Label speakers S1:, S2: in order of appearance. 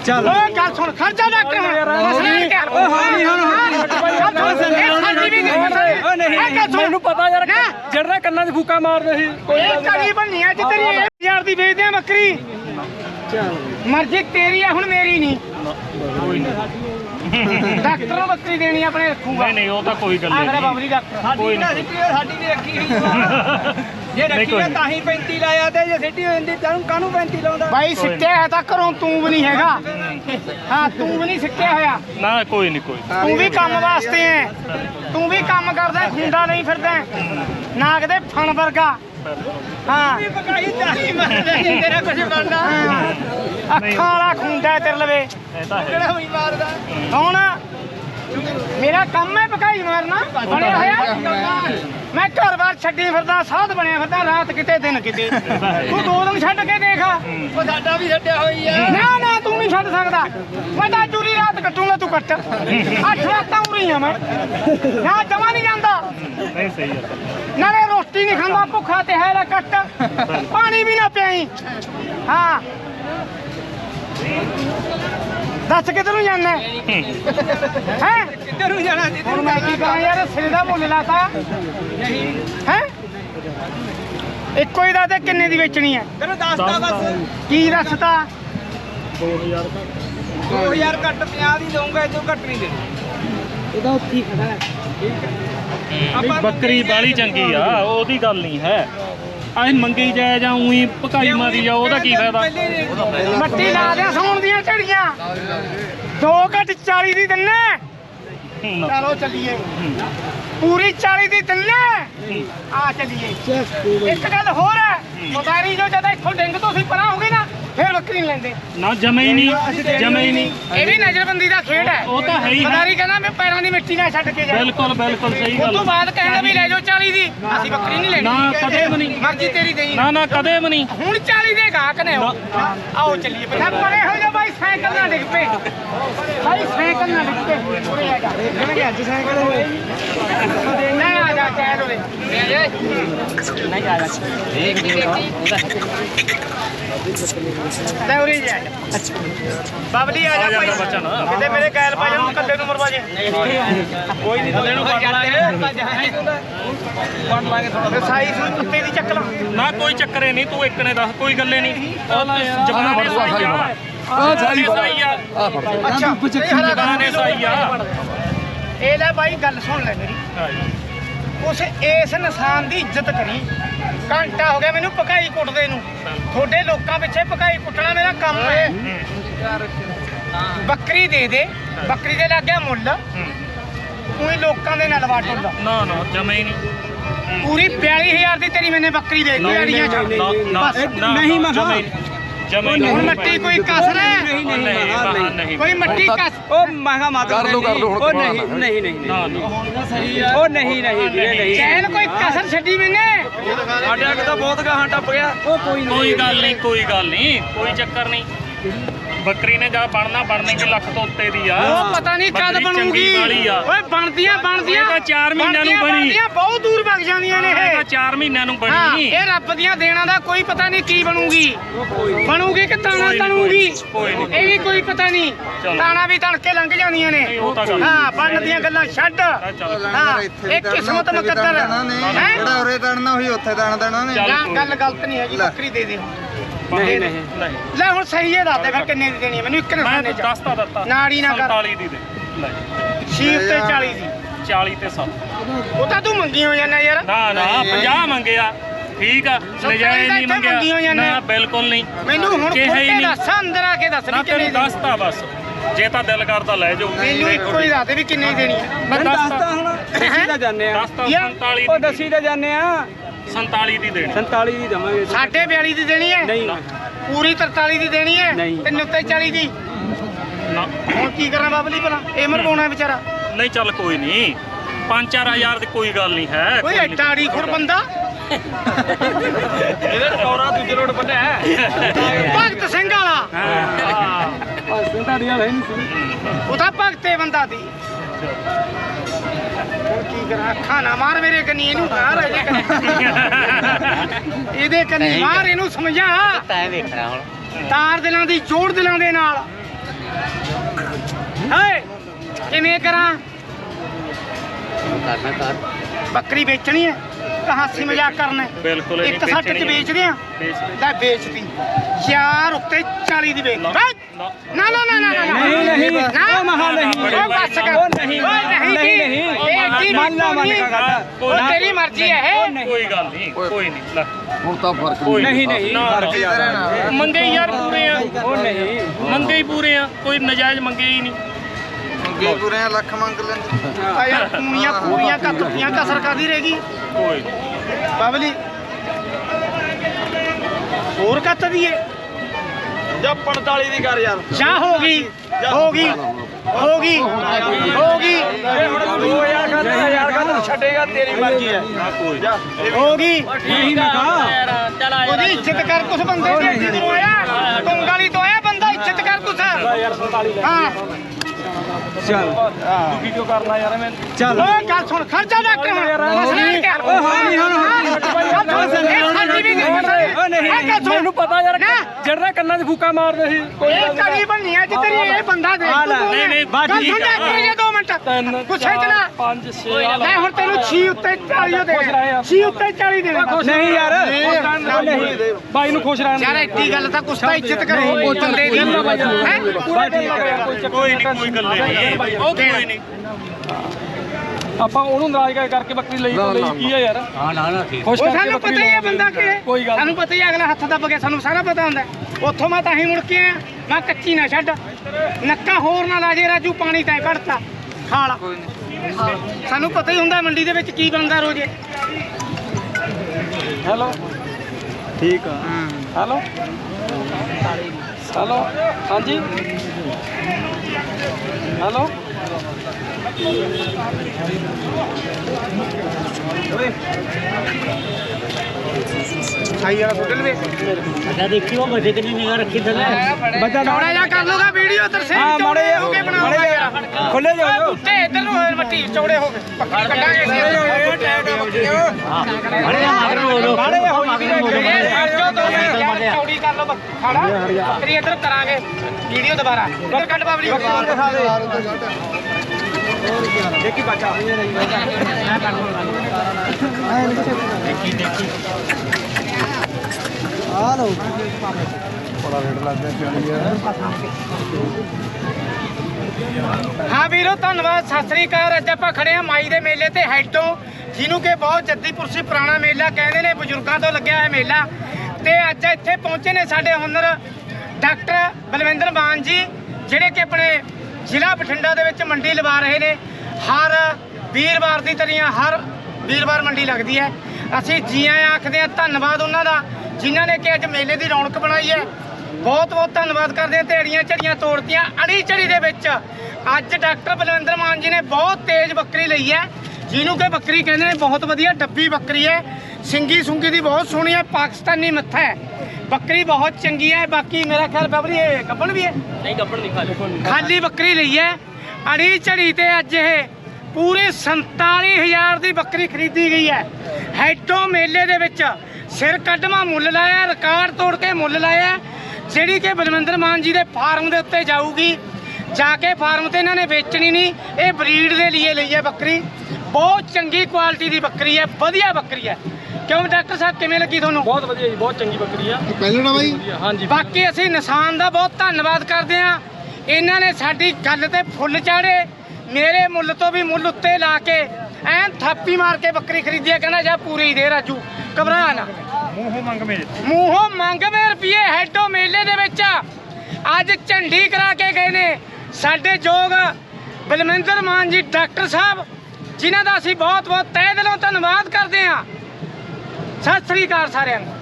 S1: ਚੱਲ ਓਏ ਗੱਲ ਸੁਣ ਖਰਚਾ ਡਾਕਟਰ ਹੁਣ
S2: ਮੈਨੂੰ ਪਤਾ ਯਾਰ ਜਿਹੜਾ ਕੰਨਾਂ 'ਚ ਫੂਕਾ ਮਾਰਦੇ ਸੀ
S1: ਇਹ ਕੜੀ ਬਣਨੀ ਅੱਜ ਤੇਰੀ 1000 ਦੀ ਵੇਚਦੇ ਆ ਬੱਕਰੀ ਮਰਜ਼ੀ ਤੇਰੀ ਆ ਹੁਣ ਮੇਰੀ ਨਹੀਂ ਡਾਕਟਰ ਨੂੰ ਬੱਕਰੀ ਦੇਣੀ ਆਪਣੇ ਰੱਖੂਗਾ
S2: ਨਹੀਂ ਉਹ ਤਾਂ ਕੋਈ ਗੱਲ
S1: ਆਗਰਾ ਬਾਬਰੀ ਡਾਕਟਰ
S2: ਕੋਈ ਨਹੀਂ
S1: ਸਾਡੀ ਨਹੀਂ ਰੱਖੀ ਜੇ ਰੱਖੀ ਹੈ ਤਾਂ ਹੀ 35 ਲਾਇਆ ਤੇ ਜੇ ਸਿੱਟੀ ਹੋ ਜਾਂਦੀ ਤੈਨੂੰ ਕਾਹਨੂੰ 35 ਲਾਉਂਦਾ ਬਾਈ ਸਿੱਟਿਆ ਹੈ ਤਾਂ ਘਰੋਂ ਤੂੰ ਵੀ ਨਹੀਂ ਹੈਗਾ ਹਾਂ ਤੂੰ ਵੀ ਨਹੀਂ ਸਿੱਟਿਆ ਹੋਇਆ
S2: ਨਾ ਕੋਈ ਨਹੀਂ ਕੋਈ
S1: ਤੂੰ ਵੀ ਕੰਮ ਵਾਸਤੇ ਹੈ ਤੂੰ ਵੀ ਕੰਮ ਕਰਦਾ ਖੁੰਡਾ ਨਹੀਂ ਫਿਰਦਾ ਨਾ ਕਿਤੇ ਫਣ ਵਰਗਾ ਹਾਂ ਪਕਾਈ ਚਾਹੀ ਮਾਰਦਾ ਤੇਰਾ ਕੁਝ ਬਣਦਾ ਅੱਖਾਂ ਵਾਲਾ ਖੁੰਡਾ ਤੇਰੇ ਲਵੇ
S2: ਇਹ ਤਾਂ ਹੈ
S1: ਕਿਹੜਾ ਹੋਈ ਮਾਰਦਾ ਹੁਣ ਮੇਰਾ ਕੰਮ ਹੈ ਪਕਾਈ ਮਾਰਨਾ ਬਣਿਆ ਹੋਇਆ ਮੈਂ ਘਰ-ਬਾਰ ਛੱਡੀ ਫਿਰਦਾ ਸਾਧ ਬਣਿਆ ਫਿਰਦਾ ਰਾਤ ਕਿਤੇ ਦਿਨ ਕਿਤੇ ਤੂੰ 2 ਦਿਨ ਛੱਡ ਕੇ ਦੇਖ ਉਹ ਸਾਡਾ ਵੀ ਛੱਡਿਆ ਹੋਈ ਆ ਨਾ ਤੂੰ ਨਹੀਂ ਛੱਡ ਸਕਦਾ ਮੈਂ ਤਾਂ ਚੂਰੀ ਰਾਤ ਕੱਟੂਗਾ ਤੂੰ ਕੱਟ 8 ਰਾਤਾਂ ਉਰੀ ਆ ਮੈਂ ਨਾ ਜਮਾ ਨਹੀਂ ਜਾਂਦਾ
S2: ਨਹੀਂ ਸਹੀ ਹੈ
S1: ਨਾਲੇ ਰੋਟੀ ਨਹੀਂ ਖਾਂਦਾ ਭੁੱਖਾ ਤੇ ਹੈ ਲੈ ਕੱਟ ਪਾਣੀ ਵੀ ਨਾ ਪਿਆਈ ਹਾਂ ਦੱਸ ਕਿੱਧਰ ਨੂੰ ਜਾਣਾ ਹੈ ਕਿੱਧਰ ਨੂੰ ਜਾਣਾ ਹੁਣ ਮੈਂ ਕੀ ਕਰਾਂ ਯਾਰ ਸਿਰ ਦਾ ਮੁੱਲ ਲਾਤਾ ਹੈ ਇੱਕੋ ਹੀ ਦਾ ਤੇ ਕਿੰਨੇ ਦੀ ਵੇਚਣੀ ਹੈ ਤੈਨੂੰ ਦੱਸਦਾ ਬਸ ਕੀ ਦੱਸਦਾ 2000 ਘੱਟ 50 ਦੀ ਦਊਂਗਾ ਇਹ ਤੋਂ ਘੱਟ ਨਹੀਂ ਦੇਣੀ ਇਹਦਾ ਉੱਥੇ ਖੜਾ ਹੈ
S2: ਨਹੀਂ ਬੱਕਰੀ ਬਾਲੀ ਚੰਗੀ ਆ ਉਹਦੀ ਗੱਲ ਨਹੀਂ ਹੈ ਆਹ ਮੰਗੀ ਜਾਏ ਜਾਂ ਉਹੀ ਭਕਾਈ ਮਾਰੀ ਜਾ ਉਹਦਾ ਕੀ ਫਾਇਦਾ
S1: ਮੱਟੀ ਲਾ ਦੇ ਸੌਣ ਦੀਆਂ ਝੜੀਆਂ 2 ਘੱਟ 40 ਦੀ ਦਿੰਨੇ ਚਲੋ ਚੱਲੀਏ ਪੂਰੀ 40 ਦੀ ਦਿੰਨੇ ਆ ਚੱਲੀਏ ਇੱਕ ਗੱਲ ਹੋਰ ਹੈ ਮਦਾਰੀ ਜੋ ਜਦੋਂ ਇੱਥੋਂ ਡਿੰਗ ਤੋਂ ਅਸੀਂ ਪਰਾਂ ਹੋਗੇ ਨਾ ਫੇਰ ਬੱਕਰੀ ਨਹੀਂ ਲੈਂਦੇ
S2: ਨਾ ਜਮੇ ਹੀ ਨਹੀਂ
S1: ਇਹ ਵੀ ਨਜ਼ਰਬੰਦੀ ਦਾ ਖੇਡ ਹੈ
S2: ਉਹ ਤਾਂ ਹੈ ਹੀ
S1: ਮਦਾਰੀ ਕਹਿੰਦਾ ਮੈਂ ਪੈਰਾਂ ਦੀ ਮਿੱਟੀ ਨਾਲ ਛੱਡ ਕੇ ਜਾ
S2: ਬਿਲਕੁਲ ਸਹੀ
S1: ਉਸ
S2: ਗੱਲ
S1: ਤੋਂ ਬਾਅਦ ਕਹਿੰਦਾ ਵੀ ਲੈ ਜਾਓ 40 ਦੀ ਅਸੀਂ ਬੱਕਰੀ ਨਹੀਂ ਲੈਣੀ
S2: ਨਾ ਕਦੇ ਵੀ ਨਹੀਂ
S1: ਮਰਜ਼ੀ ਤੇਰੀ ਦੇਈ
S2: ਨਾ ਕਦੇ ਵੀ ਨਹੀਂ
S1: ਹੁਣ 40 ਦੇ ਗਾਹਕ ਨੇ ਉਹ ਆਓ ਚੱਲੀਏ ਪਹਿਲਾਂ ਪਰੇ ਹੋ ਜਾ ਬਾਈ ਸਾਈਕਲ ਨਾ ਡਿੱਗ ਪਏ ਬਾਈ ਸਾਈਕਲ ਨਾ ਡਿੱਗ ਪਏ ਉਰੇ ਆ ਜਾ ਕਿਵੇਂ ਅੱਜ ਸਾਈਕਲ ਹੋਏ ਨਹੀਂ ਆ ਜਾ ਚੈਨ ਉਰੇ ਨਹੀਂ ਆ ਜਾ ਲੈ ਉਰੇ ਜਾ ਅੱਛਾ ਬਾਬਲੀ ਆ ਜਾ ਭਾਈ ਕਿਤੇ ਮੇਰੇ ਗੈਲ ਪਾ ਜਾਣ ਕੱਲੇ ਨੂੰ ਮਰਵਾ ਜੇ ਕੋਈ ਨਹੀਂ ਥੱਲੇ ਨੂੰ ਫੜ ਲਾਂਗੇ ਥੋੜਾ ਸਾਈ ਸੂ ਕੁੱਤੇ ਦੀ ਚੱਕ ਲਾ
S2: ਨਾ ਕੋਈ ਚੱਕਰੇ ਨਹੀਂ ਤੂੰ ਇੱਕ ਨੇ ਦੱਸ ਕੋਈ ਗੱਲੇ ਨਹੀਂ ਜਵਾਨੇ ਸਾਈ ਆ ਜਵਾਨੇ ਸਾਈ ਆ
S1: ਇਹ ਲੈ ਬਾਈ ਗੱਲ ਸੁਣ ਲੈ ਮੇਰੀ ਉਸ ਇਸ ਇਨਸਾਨ ਦੀ ਇੱਜ਼ਤ ਕਰੀ ਘੰਟਾ ਹੋ ਗਿਆ ਮੈਨੂੰ ਪਕਾਈ ਕੁੱਟਦੇ ਨੂੰ ਤੁਹਾਡੇ ਲੋਕਾਂ ਪਿੱਛੇ ਪਕਾਈ ਕੁੱਟਣਾ ਮੇਰਾ ਕੰਮ ਹੈ ਬੱਕਰੀ ਦੇ ਦੇ ਬੱਕਰੀ ਦੇ ਲੱਗ ਗਿਆ ਮੁੱਲ ਤੂੰ ਲੋਕਾਂ ਦੇ ਨਾਲ ਵਾਟੋ
S2: ਨਾ ਜਮੇ ਹੀ ਨਹੀਂ
S1: ਪੂਰੀ 42000 ਦੀ ਤੇਰੀ ਮੈਨੇ ਬੱਕਰੀ ਦੇ ਦਿੱਤੀ ਅੜੀਆਂ ਚ
S2: ਨਹੀਂ ਮੈਂ ਜਮੇ
S1: ਹੁਣ ਮੱਟੀ ਕੋਈ ਕਸਰ ਹੈ
S2: ਨਹੀਂ
S1: ਕੋਈ ਮੱਟੀ ਕਸ
S3: ਉਹ ਮਹਿੰਗਾ ਮਾਤ
S4: ਕਰ ਲੋ ਹੁਣ
S3: ਉਹ ਨਹੀਂ ਉਹ ਨਹੀਂ
S1: ਚੈਨ ਕੋਈ ਕਸਰ ਛੱਡੀ ਮੈਨੇ
S3: ਸਾਡੇ ਅੱਗੇ ਤਾਂ ਬਹੁਤ ਗਾਹਾਂ ਟੱਪ ਗਿਆ ਉਹ
S2: ਕੋਈ ਗੱਲ ਨਹੀਂ ਕੋਈ ਚੱਕਰ ਨਹੀਂ ਬੱਕਰੀ ਨੇ ਜਾ ਬਣਨੇ ਕਿ ਲੱਖ ਤੋਂ ਉੱਤੇ ਦੀ ਆ
S1: ਉਹ ਪਤਾ ਨਹੀਂ ਕਦ ਬਣੂਗੀ ਓਏ ਬਣਦੀਆਂ
S2: ਇਹ ਤਾਂ 4 ਮਹੀਨਿਆਂ ਨੂੰ ਬਣੀ
S1: ਬਹੁਤ ਦੂਰ ਵਗ ਜਾਂਦੀਆਂ ਨੇ
S2: ਇਹ ਤਾਂ 4 ਮਹੀਨਿਆਂ ਨੂੰ ਬਣੀ
S1: ਇਹ ਰੱਬ ਦੀਆਂ ਦੇਣਾਂ ਦਾ ਕੋਈ ਪਤਾ ਨਹੀਂ ਕੀ ਬਣੂਗੀ ਕਿ ਤਾਣਾ ਤਣੂਗੀ ਇਹ ਵੀ ਕੋਈ ਪਤਾ ਨਹੀਂ ਤਾਣਾ ਵੀ ਤਣ ਕੇ ਲੰਘ ਜਾਂਦੀਆਂ ਨੇ ਹਾਂ ਬਣਨ ਦੀਆਂ ਗੱਲਾਂ ਛੱਡ ਹਾਂ ਇਹ ਕਿਸਮਤ ਮੁਕੱਦਰ ਹੈ
S4: ਜਿਹੜਾ ਉਰੇ ਤੜਨਾ ਉਹੀ ਉੱਥੇ ਦੇਣਾ ਨੇ
S1: ਗੱਲ ਗਲਤ ਨਹੀਂ ਹੈਗੀ ਬੱਕਰੀ ਦੇ ਦੇ
S2: ਨਹੀਂ
S1: ਲੈ ਹੁਣ ਸਹੀ ਹੈ ਦੱਸ ਦੇ ਫਿਰ ਕਿੰਨੇ ਦੀ ਦੇਣੀ ਹੈ ਮੈਨੂੰ ਇੱਕ
S2: ਮੈਂ
S1: ਨਿਸ਼ਾਨੇ
S2: ਦੱਸਤਾ ਦਿੱਤਾ
S1: ਨਾੜੀ ਨਾ ਕਰ
S2: 47 ਦੀ ਦੇ ਲੈ
S1: ਸ਼ੀਪ ਤੇ 40 ਦੀ
S2: 40 ਤੇ 7
S1: ਉਹ ਤਾਂ ਤੂੰ ਮੰਗੀ ਹੋ ਜਾਂਦਾ ਯਾਰ
S2: ਨਾ 50 ਮੰਗਿਆ ਠੀਕ ਆ ਨਜਾਇਜ਼ ਨਹੀਂ ਮੰਗਿਆ ਨਾ ਬਿਲਕੁਲ ਨਹੀਂ
S1: ਮੈਨੂੰ ਹੁਣ ਖੋਤੇ ਦੱਸ ਅੰਦਰ ਆ ਕੇ ਦੱਸ
S2: ਨਾ
S1: ਵੀ ਕਿੰਨੇ
S2: ਤੈਨੂੰ ਦੱਸਤਾ ਬਸ ਜੇ ਤਾਂ ਦਿਲ ਕਰਦਾ ਲੈ ਜਾਓ
S1: ਮੈਨੂੰ ਇੱਕੋ ਹੀ ਦੱਸ ਦੇ ਵੀ ਕਿੰਨੇ ਦੀ ਦੇਣੀ ਹੈ
S3: ਮੈਂ ਦੱਸਦਾ ਹੁਣ ਦੱਸੀ ਤਾਂ ਜਾਣੇ ਆ
S2: ਦੱਸਤਾ 47
S3: ਉਹ ਦੱਸੀ ਤਾਂ ਜਾਣੇ ਆ
S2: 47 ਦੀ ਦੇਣੀ
S3: 47 ਦੀ ਦਵਾਂਗੇ
S1: 42.5 ਦੀ ਦੇਣੀ ਹੈ
S3: ਨਹੀਂ
S1: ਪੂਰੀ 43 ਦੀ ਦੇਣੀ ਹੈ ਤੇ 39 ਦੀ
S2: ਨਾ
S1: ਹੁਣ ਕੀ ਕਰਾਂ ਬਾਬਲੀ ਭਲਾ ਇਹ ਮਰਵਾਉਣਾ ਵਿਚਾਰਾ
S2: ਨਹੀਂ ਚੱਲ ਕੋਈ ਨਹੀਂ 5-4 ਹਜ਼ਾਰ ਦੀ ਕੋਈ ਗੱਲ ਨਹੀਂ ਹੈ
S1: ਕੋਈ ਐਡਾ ਅੜੀਖੁਰ ਬੰਦਾ
S3: ਇਹਦੇ ਟੋਰਾ ਦੂਜੇ ਰੋਡ ਬੰਨਿਆ
S1: ਭਗਤ ਸਿੰਘ ਵਾਲਾ
S3: ਹਾਂ ਸੰਤਾੜੀ ਵਾਲਾ ਨਹੀਂ
S1: ਉਹ ਤਾਂ ਭਗਤੇ ਬੰਦਾ ਸੀ ਹੁਣ ਕੀ ਕਰਾਂ ਅੱਖਾਂ ਨਾ ਮਾਰ ਮੇਰੇ ਕੰਨੀ ਇਹਨੂੰ ਬਾਹਰ ਇਹਦੇ ਕੰਨੀ ਮਾਰ ਇਹਨੂੰ ਸਮਝਾ
S3: ਤੈਂ ਵੇਖਣਾ ਹੁਣ
S1: ਤਾਰ ਦਿਲਾਂ ਦੀ ਜੋੜ ਦਿਲਾਂ ਦੇ ਨਾਲ ਕਿਵੇਂ ਕਰਾਂ? ਬੱਕਰੀ ਵੇਚਣੀ ਹੈ ਤਾਂ ਹਾਸੀ ਮਜ਼ਾਕ ਕਰਨਾ ਹੈ।
S2: ਬਿਲਕੁਲ ਇਹ
S1: ਇੱਕ ਸੱਟ ਚ ਵੇਚਦੇ ਆ ਲੈ ਵੇਚਤੀ 4 ਉੱਤੇ 40 ਦੀ ਵੇਚ ਨਾ ਨਾ ਨਾ ਨਾ ਨਾ
S3: ਨਹੀਂ
S1: ਨਾ
S3: ਮਹਾ ਨਹੀਂ
S1: ਉਹ ਬਸ ਕਰ
S3: ਉਹ ਨਹੀਂ
S1: ਨਹੀਂ ਇਹ ਐਡੀ
S3: ਮੰਨ ਲਾ ਮੰਨ ਕਾ
S1: ਉਹ ਤੇਰੀ ਮਰਜ਼ੀ ਹੈ ਇਹ
S2: ਕੋਈ ਗੱਲ ਨਹੀਂ ਕੋਈ ਨਹੀਂ ਲੈ
S4: ਹੁਣ ਤਾਂ ਫਰਕ
S2: ਕੋਈ
S3: ਨਹੀਂ ਨਹੀਂ
S4: ਫਰਕ ਯਾਰ
S2: ਮੰਗੇ ਯਾਰ ਪੂਰੇ ਆ
S3: ਉਹ ਨਹੀਂ
S2: ਮੰਗੇ ਹੀ ਪੂਰੇ ਆ ਕੋਈ ਨਜਾਇਜ਼ ਮੰਗੇ ਹੀ ਨਹੀਂ
S4: ਮੰਗੇ ਪੂਰੇ ਆ, ਲੱਖ ਮੰਗ ਲੈਂਦੇ
S1: ਆ ਯਾਰ ਪੂਰੀਆਂ ਪੂਰੀਆਂ ਕੱਤੀਆਂ ਕਸਰ ਕਰਦੀ ਰਹੇਗੀ
S2: ਕੋਈ
S1: ਬਬਲੀ ਹੋਰ ਕੱਤ ਦੀਏ
S3: ਜਾਂ 45 ਦੀ ਕਰ ਯਾਰ
S1: ਜਾਂ ਹੋ ਗਈ ਹੋ ਗਈ ਹੋ ਗਈ ਹੋ ਗਈ
S3: ਹੁਣ 2000 ਕਰ 1000 ਕਰ ਛੱਡੇਗਾ ਤੇਰੀ ਮਰਜ਼ੀ ਹੈ
S1: ਹੋ ਗਈ
S3: ਨਹੀਂ ਨਾ ਕਾ
S1: ਉਹਦੀ ਇੱਜ਼ਤ ਕਰ ਕੁਛ ਬੰਦੇ ਦੀ ਇੱਜ਼ਤ ਨੂੰ ਆਇਆ ਕੰਗਾਲੀ ਤੋਂ ਆਇਆ ਬੰਦਾ ਇੱਜ਼ਤ ਕਰ ਕੁਛ
S3: ਯਾਰ 47
S1: ਹਾਂ
S3: ਚੱਲ ਦੁਖੀ ਕਿਉਂ ਕਰਨਾ ਯਾਰ ਮੈਂ ਚੱਲ
S1: ਓਏ ਗੱਲ ਸੁਣ ਖਰਚਾ ਡਾਕਟਰ ਹੁਣ ਮਸਲਾ ਕਿਆ
S3: ਓਏ ਹੋ ਨਹੀਂ ਹੁਣ ਮੈਨੂੰ ਪਤਾ ਯਾਰ ਜਿਹੜਾ ਕੰਨਾਂ 'ਚ ਫੂਕਾ ਮਾਰਦੇ ਸੀ
S1: ਇਹ ਕਰੀ ਬੰਨੀ ਅੱਜ ਤੇਰੀ ਇਹ ਬੰਦਾ ਦੇ
S2: ਨਹੀਂ, ਨਹੀਂ, ਬਸ
S1: ਗੱਲ
S2: ਠੀਕ
S1: ਸੁਣ
S2: ਆ।
S1: ਲੈ 2 ਮਿੰਟ ਗੁੱਸੇ ਚ ਨਾ
S3: 5 6
S1: ਮੈਂ ਹੁਣ ਤੈਨੂੰ 6 ਉੱਤੇ 40 ਦੇ 6 ਉੱਤੇ 40 ਦੇ
S3: ਨਹੀਂ ਯਾਰ ਨਹੀਂ ਬਾਈ ਨੂੰ ਖੁਸ਼ ਰਹਿਣ
S1: ਯਾਰ ਐਡੀ ਗੱਲ ਤਾਂ ਕੁਛ ਤਾਂ ਇੱਜ਼ਤ ਕਰੋ ਉਹ ਬੰਦੇ ਦੀ ਹੈਂ?
S3: ਪੂਰਾ ਠੀਕ ਹੈ
S2: ਕੋਈ ਨਹੀਂ ਕੋਈ ਗੱਲ ਨਹੀਂ ਉਹ ਕੋਈ ਨਹੀਂ
S3: ਆਪਾਂ ਉਹਨੂੰ ਨਾਰਾਜ਼ ਕਰਕੇ ਬੱਕਰੀ ਲਈ ਤੋਂ ਲਈ ਕੀ ਹੈ ਯਾਰ ਹਾਂ ਨਾ ਖੁਸ਼
S1: ਉਹ
S3: ਕਰਕੇ
S1: ਸਾਨੂੰ ਪਤਾ ਹੀ ਹੈ ਬੰਦਾ ਕੀ ਹੈ
S3: ਕੋਈ ਗੱਲ
S1: ਸਾਨੂੰ ਪਤਾ ਹੀ ਹੈ ਅਗਲਾ ਹੱਥ ਦੱਬ ਗਿਆ ਸਾਨੂੰ ਸਾਰਾ ਪਤਾ ਹੁੰਦਾ ਉੱਥੋਂ ਮੈਂ ਤਾਂ ਹੀ ਮੁੜ ਕੇ ਆਇਆ ਮੈਂ ਕੱਚੀ ਨਾ ਛੱਡ ਨੱਕਾ ਹੋਰ ਨਾ ਲਾਜੇ ਰਾਜੂ ਪਾਣੀ ਤੈਂ ਕੱਢਤਾ ਖਾਲ
S4: ਕੋਈ ਨਹੀਂ
S1: ਸਾਨੂੰ ਪਤਾ ਹੀ ਹੁੰਦਾ ਮੰਡੀ ਦੇ ਵਿੱਚ ਕੀ ਬਣਦਾ ਰੋਜ਼ੇ
S3: ਹੈਲੋ ਠੀਕ ਆ ਹੈਲੋ ਹੈਲੋ ਹਾਂਜੀ ਹੈਲੋ
S1: ਸਾਈ ਵਾਲਾ ਫੋਟੋ ਲਵੇ
S5: ਅੱਛਾ ਦੇਖੀ ਉਹ ਬੱਚੇ ਕਿੰਨੀ ਨਿਗਾਹ ਰੱਖੀ ਥੱਲੇ
S3: ਬੱਚਾ
S1: ਚੌੜਾ ਜਿਹਾ ਕਰ ਲੂਗਾ ਵੀਡੀਓ ਤਰਸੇ
S3: ਹਾਂ ਮਾੜੇ
S1: ਹੋ ਕੇ ਬਣਾਉਂਦਾ ਯਾਰ
S3: ਖੁੱਲੇ ਜਾਓ
S1: ਤੇ ਇੱਧਰ ਨੂੰ ਹੋਏ ਮੱਟੀ ਚੌੜੇ ਹੋ ਗਏ ਪੱਕੀ ਕੱਢਾਂਗੇ
S3: ਮਾੜੇ ਹੋ
S1: ਚੌੜੀ ਕਰ ਲਓ ਖਾੜਾ ਫਿਰ ਇੱਧਰ ਕਰਾਂਗੇ ਵੀਡੀਓ ਦੁਬਾਰਾ ਇੱਧਰ ਕੱਢ ਬਾਬਲੀ
S3: ਦੇਖੀ ਬੱਚਾ
S1: ਹਾਂ ਵੀਰੋ ਧੰਨਵਾਦ ਸਤਿ ਸ੍ਰੀ ਅਕਾਲ ਅੱਜ ਆਪਾਂ ਖੜੇ ਆ ਮਾਈ ਦੇ ਮੇਲੇ ਤੇ ਹੈਡੋਂ ਜਿਹਨੂੰ ਕਿ ਬਹੁਤ ਜੱਦੀ ਪੁਰਸ਼ੀ ਪੁਰਾਣਾ ਮੇਲਾ ਕਹਿੰਦੇ ਨੇ ਬਜ਼ੁਰਗਾਂ ਤੋਂ ਲੱਗਿਆ ਹੋਇਆ ਮੇਲਾ ਤੇ ਅੱਜ ਇੱਥੇ ਪਹੁੰਚੇ ਨੇ ਸਾਡੇ ਹੁਨਰ ਡਾਕਟਰ ਬਲਵਿੰਦਰ ਮਾਨ ਜੀ ਜਿਹੜੇ ਕਿ ਆਪਣੇ ਜ਼ਿਲ੍ਹਾ ਬਠਿੰਡਾ ਦੇ ਵਿੱਚ ਮੰਡੀ ਲਵਾ ਰਹੇ ਨੇ ਹਰ ਵੀਰਵਾਰ ਦੀ ਤਰ੍ਹਾਂ ਹਰ ਵੀਰਵਾਰ ਮੰਡੀ ਲੱਗਦੀ ਹੈ ਅਸੀਂ ਜੀ ਆਇਆਂ ਆਖਦੇ ਹਾਂ ਧੰਨਵਾਦ ਉਹਨਾਂ ਦਾ ਜਿਨ੍ਹਾਂ ਨੇ ਕਿ ਅੱਜ ਮੇਲੇ ਦੀ ਰੌਣਕ ਬਣਾਈ ਹੈ ਬਹੁਤ ਬਹੁਤ ਧੰਨਵਾਦ ਕਰਦੇ ਹਾਂ ਢੇੜੀਆਂ ਝੜੀਆਂ ਤੋੜਤੀਆਂ ਅੜੀ ਝੜੀ ਦੇ ਵਿੱਚ ਅੱਜ ਡਾਕਟਰ ਬਲਵਿੰਦਰ ਮਾਨ ਜੀ ਨੇ ਬਹੁਤ ਤੇਜ਼ ਬੱਕਰੀ ਲਈ ਹੈ ਜਿਹਨੂੰ ਕਿ ਬੱਕਰੀ ਕਹਿੰਦੇ ਨੇ ਬਹੁਤ ਵਧੀਆ ਡੱਬੀ ਬੱਕਰੀ ਹੈ ਸਿੰਗੀ ਸੁੰਗੀ ਦੀ ਬਹੁਤ ਸੋਹਣੀ ਹੈ ਪਾਕਿਸਤਾਨੀ ਮੱਥਾ ਹੈ ਬੱਕਰੀ ਬਹੁਤ ਚੰਗੀ ਹੈ ਬਾਕੀ ਮੇਰਾ ਖਿਆਲ ਬਬਲੀ ਇਹ ਗੱਬਣ ਵੀ ਹੈ
S3: ਨਹੀਂ ਗੱਪਣ ਨਹੀਂ
S1: ਖਾਲੀ ਬੱਕਰੀ ਲਈ ਹੈ ਅੜੀ ਝੜੀ ਤੇ ਅੱਜ ਇਹ ਪੂਰੇ 47000 ਦੀ ਬੱਕਰੀ ਖਰੀਦੀ ਗਈ ਹੈ ਹੈਡੋਂ ਮੇਲੇ ਦੇ ਵਿੱਚ ਸਿਰ ਕੱਢਵਾ ਮੁੱਲ ਲਾਇਆ ਰਿਕਾਰਡ ਤੋੜ ਕੇ ਮੁੱਲ ਲਾਇਆ ਜਿਹੜੀ ਕਿ ਬਲਵਿੰਦਰ ਮਾਨ ਜੀ ਦੇ ਫਾਰਮ ਦੇ ਉੱਤੇ ਜਾਊਗੀ ਜਾ ਕੇ ਫਾਰਮ ਤੇ ਇਹਨਾਂ ਨੇ ਵੇਚਣੀ ਨਹੀਂ ਇਹ ਬਰੀਡ ਦੇ ਲਈ ਲਈ ਹੈ ਬੱਕਰੀ ਬਹੁਤ ਚੰਗੀ ਕੁਆਲਿਟੀ ਦੀ ਬੱਕਰੀ ਹੈ ਵਧੀਆ ਬੱਕਰੀ ਹੈ ਕਿਉਂ ਡਾਕਟਰ ਸਾਹਿਬ ਕਿਵੇਂ ਲੱਗੀ ਤੁਹਾਨੂੰ
S3: ਬਹੁਤ ਵਧੀਆ ਜੀ ਬਹੁਤ ਚੰਗੀ ਬੱਕਰੀ ਆ
S4: ਪਹਿਲਾਂ ਬਾਈ
S3: ਹਾਂਜੀ
S1: ਬਾਕੀ ਅਸੀਂ ਨਿਸ਼ਾਨ ਦਾ ਬਹੁਤ ਧੰਨਵਾਦ ਕਰਦੇ ਹਾਂ ਇਹਨਾਂ ਨੇ ਸਾਡੀ ਗੱਲ ਤੇ ਫੁੱਲ ਚਾੜੇ ਮੇਰੇ ਮੁੱਲ ਤੋਂ ਵੀ ਮੁੱਲ ਉੱਤੇ ਲਾ ਕੇ ਐਨ ਥਾਪੀ ਮਾਰ ਕੇ ਬੱਕਰੀ ਖਰੀਦੀ ਹੈ ਕਹਿੰਦਾ ਜਾ ਪੂਰੀ ਦੇ ਰਾਜੂ ਘਬਰਾ ਨਾ
S2: ਮੂੰਹੋਂ ਮੰਗ ਮੇਰੇ
S1: ਮੂੰਹੋਂ ਮੰਗਵੇਂ ਰੁਪਏ ਹੈਡੋ ਮੇਲੇ ਦੇ ਵਿੱਚ ਅੱਜ ਝੰਡੀ ਕਰਾ ਕੇ ਗਏ ਨੇ ਸਾਡੇ ਜੋਗ ਬਲਵਿੰਦਰ ਮਾਨ ਜੀ ਡਾਕਟਰ ਸਾਹਿਬ ਜਿਨ੍ਹਾਂ ਦਾ ਅਸੀਂ ਬਹੁਤ ਬਹੁਤ ਤਹਿ ਦਿਲੋਂ ਧੰਨਵਾਦ ਕਰਦੇ ਹਾਂ ਸਤਿ ਸ੍ਰੀ ਅਕਾਲ ਸਾਰਿਆਂ ਨੂੰ